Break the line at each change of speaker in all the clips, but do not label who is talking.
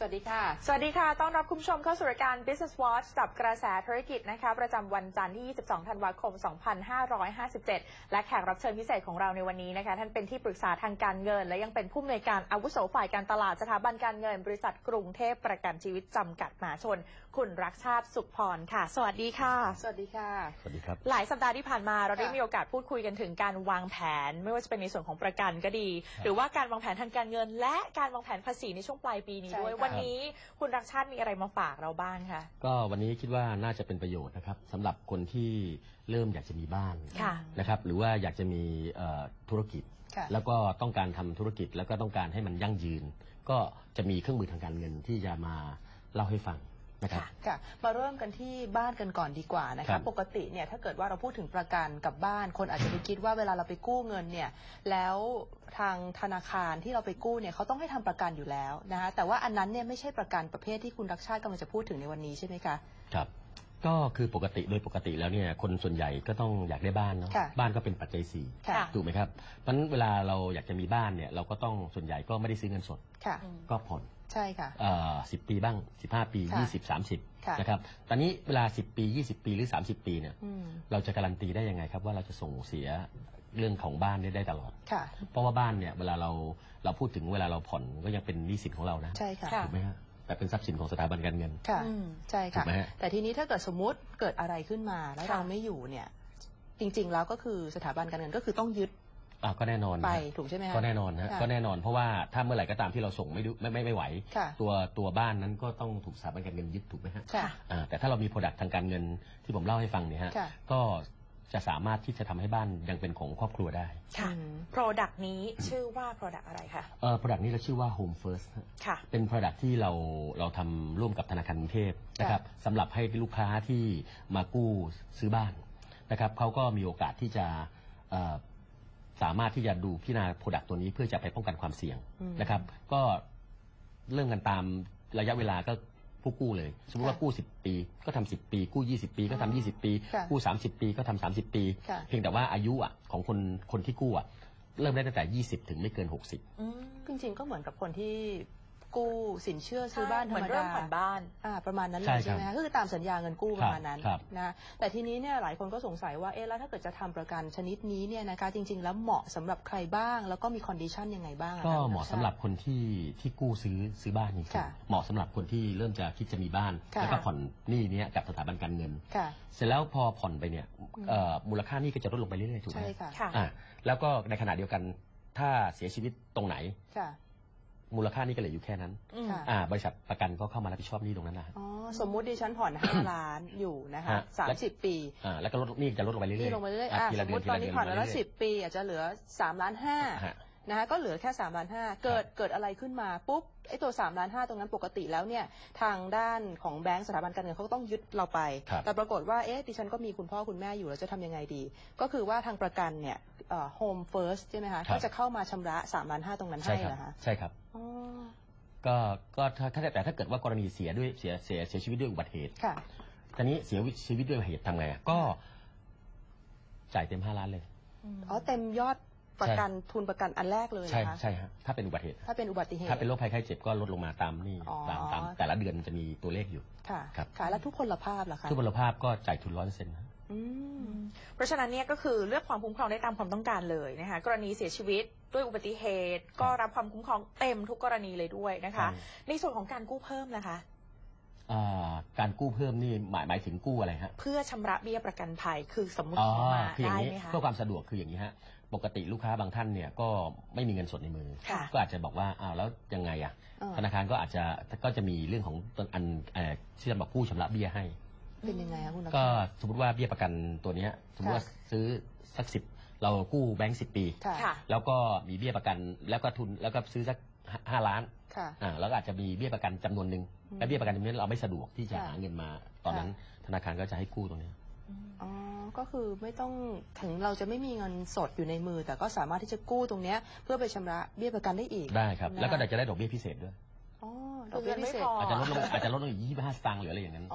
วัสดีค่ะ
สวัสดีค่ะต้อนรับคุณผู้ชมเข้าสู่รายการ Business Watch จับกระแสธุรกิจนะคะประจำวันจันทร์ที่ 22 ธันวาคม 2557 และแขกรับเชิญพิเศษของเราในวันนี้นะคะท่านเป็นที่ปรึกษาทางการเงินและยังเป็นผู้อำนวยการอาวุโสฝ่ายการตลาดสถาบันการเงินบริษัทกรุงเทพประกันชีวิตจำกัดมหาชนคุณรักชาติสุขพรค่ะสวัสดีค่ะ
สวัสดีค่ะ
สวัสดีครับ
หลายสัปดาห์ที่ผ่านมาเราได้มีโอกาสพูดคุยกันถึงการวางแผนไม่ว่าจะเป็นในส่วนของประกันก็ดีหรือว่าการวางแผนทางการเงินและการวางแผนภาษีในช่วงปลายปีนี้ด้วยวันนี้คุณรักชาติมีอะไรมาฝากเราบ้างคะ
ก็วันนี้คิดว่าน่าจะเป็นประโยชน์นะครับสำหรับคนที่เริ่มอยากจะมีบ้านนะครับหรือว่าอยากจะมีธุรกิจแล้วก็ต้องการทำธุรกิจแล้วก็ต้องการให้มันยั่งยืนก็จะมีเครื่องมือทางการเงินที่จะมาเล่าให้ฟังนะครับ
ค่ะมาเริ่มกันที่บ้านกันก่อนดีกว่านะคะปกติเนี่ยถ้าเกิดว่าเราพูดถึงประกันกับบ้านคนอาจจะไปคิดว่าเวลาเราไปกู้เงินเนี่ยแล้วทางธนาคารที่เราไปกู้เนี่ยเขาต้องให้ทำประกันอยู่แล้วนะคะแต่ว่าอันนั้นเนี่ยไม่ใช่ประกันประเภทที่คุณรักชาติกำลังจะพูดถึงในวันนี้ใช่ไหมคะ
ครับก็คือปกติโดยปกติแล้วเนี่ยคนส่วนใหญ่ก็ต้องอยากได้บ้านเนาะบ้านก็เป็นปัจจัย4ถูกไหมครับเพราะฉะนั้นเวลาเราอยากจะมีบ้านเนี่ยเราก็ต้องส่วนใหญ่ก็ไม่ได้ซื้อเงินสดก็ผ่อน
ใช่ค่ะ
10 ปีบ้าง15 ปี20 30นะครับตอนนี้เวลา10 ปี20 ปีหรือ30 ปีเนี่ยเราจะการันตีได้ยังไงครับว่าเราจะส่งเสียเรื่องของบ้านได้ตลอดเพราะว่าบ้านเนี่ยเวลาเราพูดถึงเวลาเราผ่อนก็ยังเป็นหนี้สินของเรานะ
ใช่ค่ะ
ถูกไหมฮะแต่เป็นทรัพย์สินของสถาบันการเงิน
ค่ะใช่ค่ะแต่ทีนี้ถ้าเกิดสมมุติเกิดอะไรขึ้นมาแล้วเราไม่อยู่เนี่ยจริงๆแล้วก็คือสถาบันการเงินก็คือต้องยึด
ก็แน่นอน
ไปถูกใช่ไหมคะ
ก็แน่นอนฮะก็แน่นอนเพราะว่าถ้าเมื่อไหร่ก็ตามที่เราส่งไม่ไหวตัวบ้านนั้นก็ต้องถูกสถาบันการเงินยึดถูกไหมฮะแต่ถ้าเรามี product ทางการเงินที่ผมเล่าให้ฟังเนี่ยฮะก็จะสามารถที่จะทำให้บ้านยังเป็นของครอบครัวได้
ค่ะ product นี้ชื่อว่า product อะไรคะ
product นี้เราชื่อว่า Home First
ค่ะ
เป็น product ที่เราทำร่วมกับธนาคารกรุงเทพนะครับสำหรับให้ลูกค้าที่มากู้ซื้อบ้านนะครับเขาก็มีโอกาสที่จะสามารถที่จะดูพิจารณา product ตัวนี้เพื่อจะไปป้องกันความเสี่ยงนะครับก็เริ่มกันตามระยะเวลาก็ผู้กู้เลยสมมติว่ากู้10 ปีก็ทำ10 ปีกู้20 ปีก็ทำ20 ปีกู้30 ปีก็ทำ30 ปีเพียงแต่ว่าอายุของคนที่กู้เริ่มได้ตั้งแต่20ถึงไม่เกิน60
จริงๆก็เหมือนกับคนที่กู้สินเชื่อซื้อบ้านธรรมดา
ผ่อนบ้าน
ประมาณนั้นเลยใช่ไหมคะก็คือตามสัญญาเงินกู้ประมาณนั้นนะแต่ทีนี้เนี่ยหลายคนก็สงสัยว่าแล้วถ้าเกิดจะทำประกันชนิดนี้เนี่ยนะคะจริงๆแล้วเหมาะสำหรับใครบ้างแล้วก็มีคอนดิชันยังไงบ้าง
ก็เหมาะสำหรับคนที่กู้ซื้อบ้านจริงๆเหมาะสำหรับคนที่เริ่มจะคิดจะมีบ้านแล้วก็ผ่อนหนี้นี้กับสถาบันการเงินเสร็จแล้วพอผ่อนไปเนี่ยมูลค่าหนี้ก็จะลดลงไปเรื่อยๆถูกไหมแล้วก็ในขณะเดียวกันถ้าเสียชีวิตตรงไหนมูลค่านี่ก็เหลืออยู่แค่นั้นบริษัทประกันก็เข้ามารับผิดชอบหนี้ตรงนั้นนะ
สมมุติดิฉันผ่อน5 ล้านอยู่นะคะ30 ปี
แล้วก็หนี้จะลดลงไปเรื่อย
ๆลงไปเรื่อยๆสมมติตอนนี้ผ่อนแล้ว10 ปีอาจจะเหลือ3.5 ล้านนะคะก็เหลือแค่3.5 ล้านเกิดอะไรขึ้นมาปุ๊บไอ้ตัว3.5 ล้านตรงนั้นปกติแล้วเนี่ยทางด้านของแบงก์สถาบันการเงินเขาก็ต้องยึดเราไปแต่ปรากฏว่าดิฉันก็มีคุณพ่อคุณแม่อยู่แล้วจะทำยังไงดีก็คือว่าทางประกันเนี่ยHome First ใช่ไหมคะก็จะเข้ามาชำระ3.5 ล้านตรงนั้นให้นะคะ
ใช่ครับก็ถ้าเกิดว่ากรณีเสียชีวิตด้วยอุบัติเหตุตอนนี้เสียชีวิตด้วยอุบัติเหตุทำไงก็จ่ายเต็ม5 ล้านเลย
เต็มยอดประกันทุนประกันอันแรกเลยนะคะ
ใช่ครับถ้าเป็นอุบัติเหตุ
ถ้าเป็น
โรคภัยไข้เจ็บก็ลดลงมาตามนี่ตามแต่ละเดือนจะมีตัวเลขอยู่
ค่ะแล้วทุกพลภาพล่ะคะ
ทุกพลภาพก็จ่ายทุน 100%
เพราะฉะนั้นเนี่ยก็คือเลือกความคุ้มครองได้ตามความต้องการเลยนะคะกรณีเสียชีวิตด้วยอุบัติเหตุก็รับความคุ้มครองเต็มทุกกรณีเลยด้วยนะคะในส่วนของการกู้เพิ่มนะคะ
การกู้เพิ่มนี่หมายถึงกู้อะไรฮะ
เพื่อชำระเบี้ยประกันภัยคือสมมติมาได้ไหมคะ
เพื่อความสะดวกคืออย่างนี้ฮะปกติลูกค้าบางท่านเนี่ยก็ไม่มีเงินสดในมือก็อาจจะบอกว่าแล้วยังไงธนาคารก็จะมีเรื่องของที่จะบอกผู้ชำระเบี้ยให้
เป็นยังไงคะคุณ
ก็สมมติว่าเบี้ยประกันตัวนี้สมมติว่าซื้อสัก10เรากู้แบงก์10 ปีแล้วก็มีเบี้ยประกันแล้วก็ทุนแล้วก็ซื้อสัก5 ล้านแล้วก็อาจจะมีเบี้ยประกันจำนวนหนึ่งและเบี้ยประกันจำนวนนี้เราไม่สะดวกที่จะหาเงินมาตอนนั้นธนาคารก็จะให้กู้ตรงนี้
ก็คือไม่ต้องถึงเราจะไม่มีเงินสดอยู่ในมือแต่ก็สามารถที่จะกู้ตรงนี้เพื่อไปชำระเบี้ยประกันได้อีก
ได้ครับแล้วก็จะได้ดอกเบี้ยพิเศษด้วย
ดอกเบี้ยพิเศษ
อาจจะลดลงอีก25 สตางค์หรืออะไรอย่างนั้น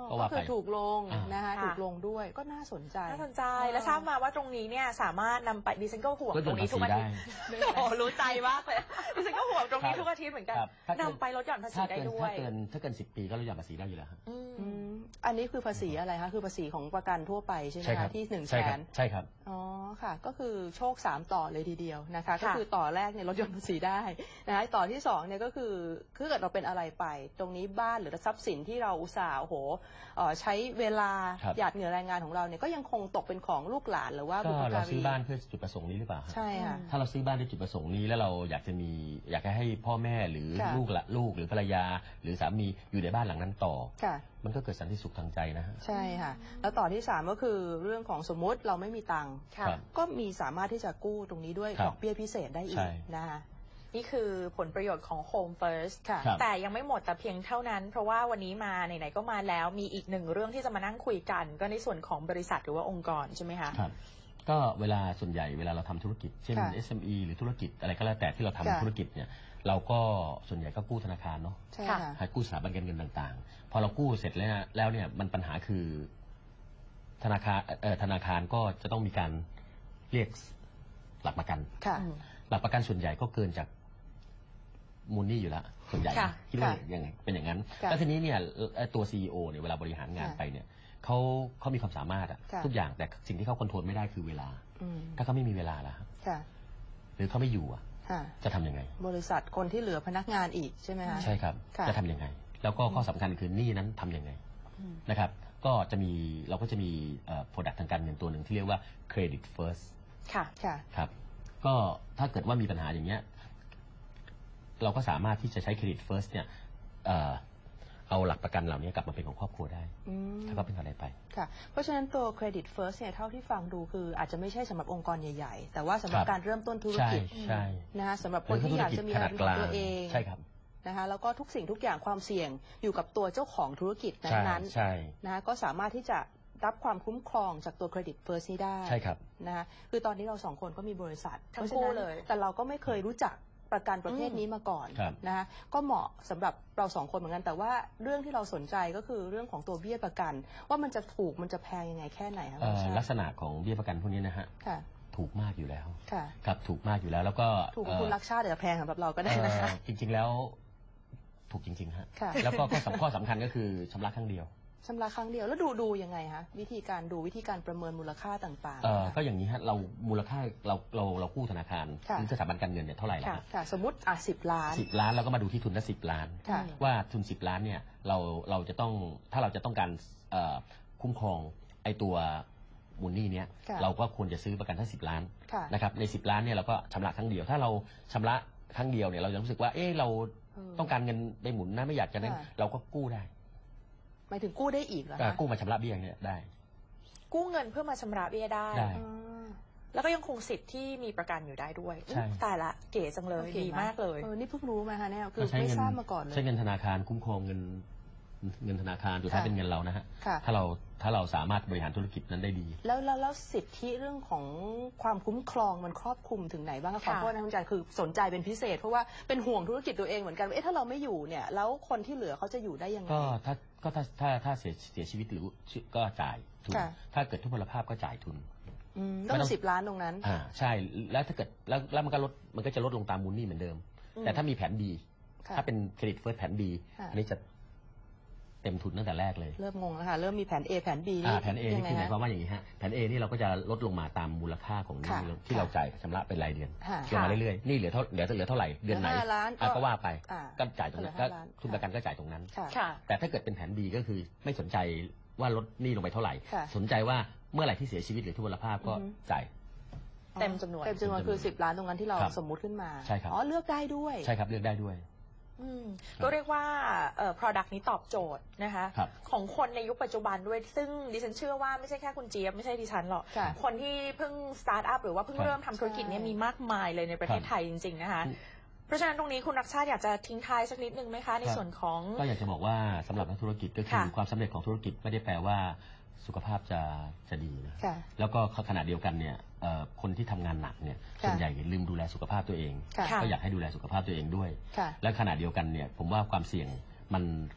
ก็คือถูกลงนะคะ
ค่ะ
ถูกลงด้วยก็น่าสนใจ
น่าสนใจแล้วทราบมาว่าตรงนี้เนี่ยสามารถนำไปดิฉันก็ห่วงตรงนี้ทุกอาทิตย์โอ้รู้ใจมากเลยดิฉันก็ห่วงตรงนี้ทุกอาทิตย์เหมือนกันนำไปลดหย่อนภาษีได้ด้วย
ถ้าเกิน10 ปีก็ลดหย่อนภาษีได้อยู่แล้วครับ
อันนี้คือภาษีอะไรคะคือภาษีของประกันทั่วไปใช่ไหมคะที่100,000
ใช่ครับ
อ๋อค่ะก็คือโชค3ต่อเลยทีเดียวนะคะก็คือต่อแรกเนี่ยลดหย่อนภาษีได้นะคะต่อที่2เนี่ยก็คือถ้าเกิดเราเป็นอะไรไปตรงนี้บ้านหรือทรัพย์สินที่เราอุตส่าห์ใช้เวลาหยาดเหงื่อแรงงานของเราเนี่ยก็ยังคงตกเป็นของลูกหลานหรือว่าบุพการี
เราซื้อบ้านเพื่อจุดประสงค์นี้หรือเปล่า
ใช่ค่ะ
ถ้าเราซื้อบ้านด้วยจุดประสงค์นี้แล้วเราอยากจะให้พ่อแม่หรือลูกหรือภรรยาหรือสามีอยู่ในบ้านหลังนั้นต่อมันก็เกิดสันติสุขทางใจนะฮะ
ใช่ค่ะแล้วต่อที่3ก็คือเรื่องของสมมติเราไม่มีตังค์ก็มีสามารถที่จะกู้ตรงนี้ด้วยดอกเบี้ยพิเศษได้อีกนะคะ
นี่คือผลประโยชน์ของ Home First แต่ยังไม่หมดแต่เพียงเท่านั้นเพราะว่าวันนี้มาไหนๆก็มาแล้วมีอีกหนึ่งเรื่องที่จะมานั่งคุยกันก็ในส่วนของบริษัทหรือว่าองค์กรใช่ไหมคะ
ครับก็ส่วนใหญ่เวลาเราทำธุรกิจเช่น SME หรือธุรกิจอะไรก็แล้วแต่ที่เราทำธุรกิจเนี่ยเราก็ส่วนใหญ่ก็กู้ธนาคารเนาะให้กู้สถาบันการเงินต่างๆพอเรากู้เสร็จแล้วเนี่ยมันปัญหาคือธนาคารก็จะต้องมีการเรียกหลักประกันหลักประกันส่วนใหญ่ก็เกินจากมูลหนี้อยู่แล้วส่วนใหญ่คิดว่าอย่างเป็นอย่างนั้นแล้วทีนี้เนี่ยตัว CEO เนี่ยเวลาบริหารงานไปเนี่ยเขามีความสามารถทุกอย่างแต่สิ่งที่เขาควบคุมไม่ได้คือเวลาถ้าเขาไม่มีเวลาแล้วหรือเขาไม่อยู่จะทำยังไง
บริษัทคนที่เหลือพนักงานอีกใช่ไหมคะ
ใช่ครับจะทำยังไงแล้วก็ข้อสำคัญคือหนี้นั้นทำยังไงนะครับก็เราก็จะมีproduct ทางการเงินตัวหนึ่งที่เรียกว่า credit first ครับก็ถ้าเกิดว่ามีปัญหาอย่างเงี้ยเราก็สามารถที่จะใช้ credit first เนี่ยเอาหลักประกันเหล่านี้กลับมาเป็นของครอบครัวได้ถ้าเขาเป็นอะไรไป
ค่ะเพราะฉะนั้นตัว credit first เนี่ยเท่าที่ฟังดูคืออาจจะไม่ใช่สำหรับองค์กรใหญ่ๆแต่ว่าสำหรับการเริ่มต้นธุรกิจนะคะสำหรับคนที่อยากจะมีอะไรของตัวเอง
ใช่ครับ
นะคะแล้วก็ทุกสิ่งทุกอย่างความเสี่ยงอยู่กับตัวเจ้าของธุรกิจนั้นๆนะคะก็สามารถที่จะรับความคุ้มครองจากตัว credit first นี้ได้
ใช่ครับ
นะคะคือตอนนี้เรา2คนก็มีบริษัท
ทั้งคู่เลย
แต่เราก็ไม่เคยรู้จักประกันประเภทนี้มาก่อนนะคะก็เหมาะสำหรับเรา2คนเหมือนกันแต่ว่าเรื่องที่เราสนใจก็คือเรื่องของตัวเบี้ยประกันว่ามันจะถูกมันจะแพงยังไงแค่ไหนคะ
ลักษณะของเบี้ยประกันพวกนี้นะฮะถูกมากอยู่แล้วครับถูกมากอยู่แล้วแล้วก็
ถูกคุณรักชาติแต่แพงสำหรับเราก็ได้นะคะ
จริงๆแล้วถูกจริงๆฮะแล้วก็ข้อสำคัญก็คือชำระครั้งเดียว
แล้วดูยังไงคะวิธีการประเมินมูลค่าต่าง
ๆก็อย่างนี้ฮะเรามูลค่าเรากู้ธนาคารหรือสถาบันการเงินเนี่ยเท่าไหร่ล่ะ
สมมติ10 ล้าน
เราก็มาดูที่ทุนละ10 ล้านว่าทุน10 ล้านเนี่ยเราจะต้องถ้าเราจะต้องการคุ้มครองไอ้ตัวมูลหนี้เนี้ยเราก็ควรจะซื้อประกันทั้ง10 ล้านนะครับใน10 ล้านเนี่ยเราก็ชำระครั้งเดียวถ้าเราชำระครั้งเดียวเนี่ยเราจะรู้สึกว่าเราต้องการเงินไปหมุนนะไม่อยากจะนั้นเราก็กู้ได้
หมายถึงกู้ได้อีกเหรอคะ
กู้มาชำระเบี้ยเนี่ยได้
กู้เงินเพื่อมาชำระเบี้ยได้แล้วก็ยังคงสิทธิ์ที่มีประกันอยู่ได้ด้วยตายละเก๋จังเลยดีมากเลย
นี่เพิ่งรู้มาค่ะเนี่ยคือไม่ทราบมาก่อนเลย
ใช้เงินธนาคารคุ้มครองเงินธนาคารสุดท้ายเป็นเงินเรานะฮะถ้าเราสามารถบริหารธุรกิจนั้นได้ดี
แล้วสิทธิเรื่องของความคุ้มครองมันครอบคลุมถึงไหนบ้างคะขอโทษนะคุณจันคือสนใจเป็นพิเศษเพราะว่าเป็นห่วงธุรกิจตัวเองเหมือนกันถ้าเราไม่อยู่เนี่ยแล้วคนที่เหลือเขาจะอยู่ได้ยังไง
ถ้าเสียชีวิตหรือก็จ่ายทุนถ้าเกิดทุพพลภาพก็จ่ายทุน
ต้อง10 ล้านตรงนั้น
ใช่แล้วถ้าเกิดแล้วมันก็จะลดลงตามมูลหนี้เหมือนเดิมแต่ถ้ามีแผน B ถ้าเป็นเครดิตเฟิร์สแผน B อันนี้จะเต็มทุนตั้งแต่แรกเลย
เริ่มงงแล้วค่ะเริ่มมีแผน A แผน B
แผน A นี่คือหมายความว่าอย่างนี้ฮะแผน A นี่เราก็จะลดลงมาตามมูลค่าของหนี้ที่เราจ่ายชำระเป็นรายเดือนลงมาเรื่อยๆนี่เหลือเท่าไหร่เดือนไหนก็ว่าไปก็จ่ายตรงนั้นก็ทุนประกันก็จ่ายตรงนั้นแต่ถ้าเกิดเป็นแผน B ก็คือไม่สนใจว่าลดหนี้ลงไปเท่าไหร่สนใจว่าเมื่อไหร่ที่เสียชีวิตหรือทุพพลภาพก็จ่าย
เต็มจำนวนคือ10 ล้านตรงนั้นที่เราสมมุติขึ้นมา
ใช่ครับ
เลือกได้ด้วย
ใช่ครับเลือกได้ด้วย
ก็เรียกว่าproduct นี้ตอบโจทย์นะคะของคนในยุคปัจจุบันด้วยซึ่งดิฉันเชื่อว่าไม่ใช่แค่คุณเจี๊ยบไม่ใช่ดิฉันหรอกคนที่เพิ่งสตาร์ทอัพหรือว่าเพิ่งเริ่มทำธุรกิจนี้มีมากมายเลยในประเทศไทยจริงๆนะคะเพราะฉะนั้นตรงนี้คุณรักชาติอยากจะทิ้งท้ายสักนิดนึงไหมคะในส่วนของ
ก็อยากจะบอกว่าสำหรับนักธุรกิจก็คือความสำเร็จของธุรกิจไม่ได้แปลว่าสุขภาพจะดีนะแล้วก็ขณะเดียวกันเนี่ยคนที่ทำงานหนักเนี่ยส่วนใหญ่ลืมดูแลสุขภาพตัวเองก็อยากให้ดูแลสุขภาพตัวเองด้วยและขณะเดียวกันเนี่ยผมว่าความเสี่ยงมัน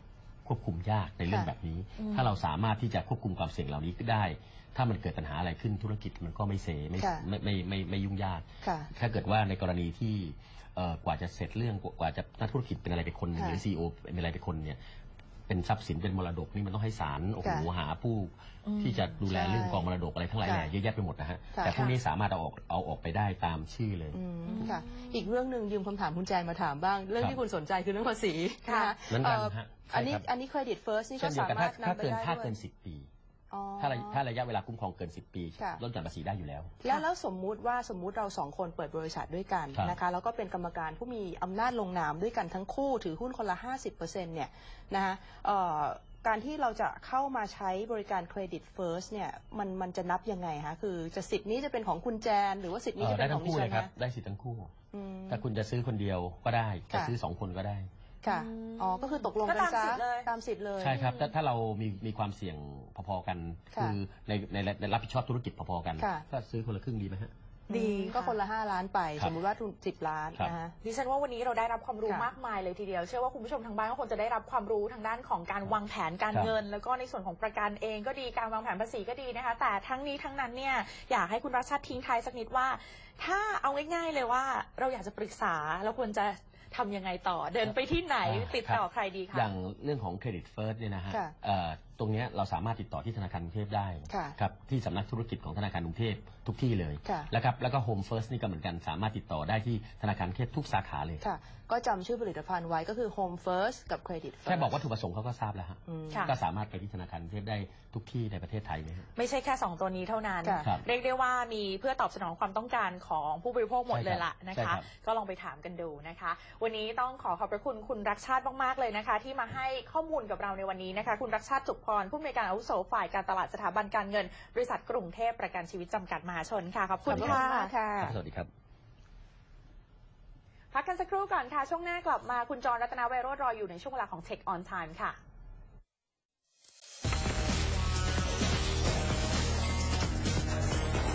ควบคุมยากในเรื่องแบบนี้ ถ้าเราสามารถที่จะควบคุมความเสี่ยงเหล่านี้ได้ ถ้ามันเกิดปัญหาอะไรขึ้นธุรกิจมันก็ไม่เซไม่ยุ่งยากถ้าเกิดว่าในกรณีที่กว่าจะเสร็จเรื่องกว่าจะนักธุรกิจเป็นอะไรไปคนหนึ่งหรือ CEO เป็นอะไรไปคนเนี่ยเป็นทรัพย์สินเป็นมรดกนี่มันต้องให้ศาลโอ้โหหาผู้ที่จะดูแลเรื่องกองมรดกอะไรทั้งหลายแหล่เยอะแยะไปหมดนะฮะแต่พวกนี้สามารถเอาออกไปได้ตามชื่อเลย
ค่ะอีกเรื่องหนึ่งยืมคำถามคุณแจนมาถามบ้างเรื่องที่คุณสนใจคือเรื่องภาษีนะคะอันนี้เครดิตเฟิร์สนี่ก็สามารถนำไปได้
ถ้าเกิน10 ปีถ้าระยะเวลาคุ้มครองเกิน10 ปีลดหย่อนภาษีได้อยู่แล้ว
แล้วสมมุติเรา2 คนเปิดบริษัทด้วยกันนะคะแล้วก็เป็นกรรมการผู้มีอำนาจลงนามด้วยกันทั้งคู่ถือหุ้นคนละ 50% เนี่ยนะคะการที่เราจะเข้ามาใช้บริการเครดิตเฟิร์สเนี่ยมันจะนับยังไงคะคือจะสิทธิ์นี้จะเป็นของคุณแจนหรือว่าสิทธิ์นี้จะเป็นของดิฉันนะ
ได้สิทธิ์ทั้งคู่ถ้าคุณจะซื้อคนเดียวก็ได้จะซื้อ2 คนก็ได้
ค่ะก็คือตกลงกันซะตามสิทธิ์เลย
ใช่ครับถ้าเรามีความเสี่ยงพอๆกันคือในรับผิดชอบธุรกิจพอๆกันก็ซื้อคนละครึ่งดีไหมฮะ
ดีก็คนละ5 ล้านไปสมมุติว่าทุน10 ล้านนะคะ
ดิฉันว่าวันนี้เราได้รับความรู้มากมายเลยทีเดียวเชื่อว่าคุณผู้ชมทางบ้านก็คงจะได้รับความรู้ทางด้านของการวางแผนการเงินแล้วก็ในส่วนของประกันเองก็ดีการวางแผนภาษีก็ดีนะคะแต่ทั้งนี้ทั้งนั้นเนี่ยอยากให้คุณรัชชาติทิ้งท้ายสักนิดว่าถ้าเอาง่ายๆเลยว่าเราอยากจะปรึกษาเราควรจะทำยังไงต่อเดินไปที่ไหนติดต่อใครดีคะ
อย่างเรื่องของเครดิตเฟิร์สเนี่ยนะฮะตรงนี้เราสามารถติดต่อที่ธนาคารกรุงเทพได้ครับที่สำนักธุรกิจของธนาคารกรุงเทพทุกที่เลยแล้วก็โฮมเฟิร์สนี่ก็เหมือนกันสามารถติดต่อได้ที่ธนาคารกรุงเทพทุกสาขาเลย
ก็จำชื่อผลิตภัณฑ์ไว้ก็คือ Home First กับ Credit First
แค่บอกว่าถูกประสงค์เขาก็ทราบแล้วฮะก็สามารถไปที่ธนาคารกรุงเทพได้ทุกที่ในประเทศไทยเลย
ไม่ใช่แค่2 ตัวนี้เท่านั้นเรียกได้ว่ามีเพื่อตอบสนองความต้องการของผู้บริโภคหมดเลยล่ะนะคะก็ลองไปถามกันดูนะคะวันนี้ต้องขอบพระคุณคุณรักชาติมากๆเลยนะคะที่มาให้ข้อมูลกับเราในวันนี้นะคะคุณรักชาติจุกพรผู้อำนวยการอาวุโสฝ่ายการตลาดสถาบันการเงินบริษัทกรุงเทพประกันชีวิตจำกัดมหาชนค่ะขอบคุณ
ค่ะ
สวัสดีครับ
พักกันสักครู่ก่อนค่ะช่วงหน้ากลับมาคุณจรรัตนเวโรจน์รออยู่ในช่วงเวลาของ Check on Time ค่ะ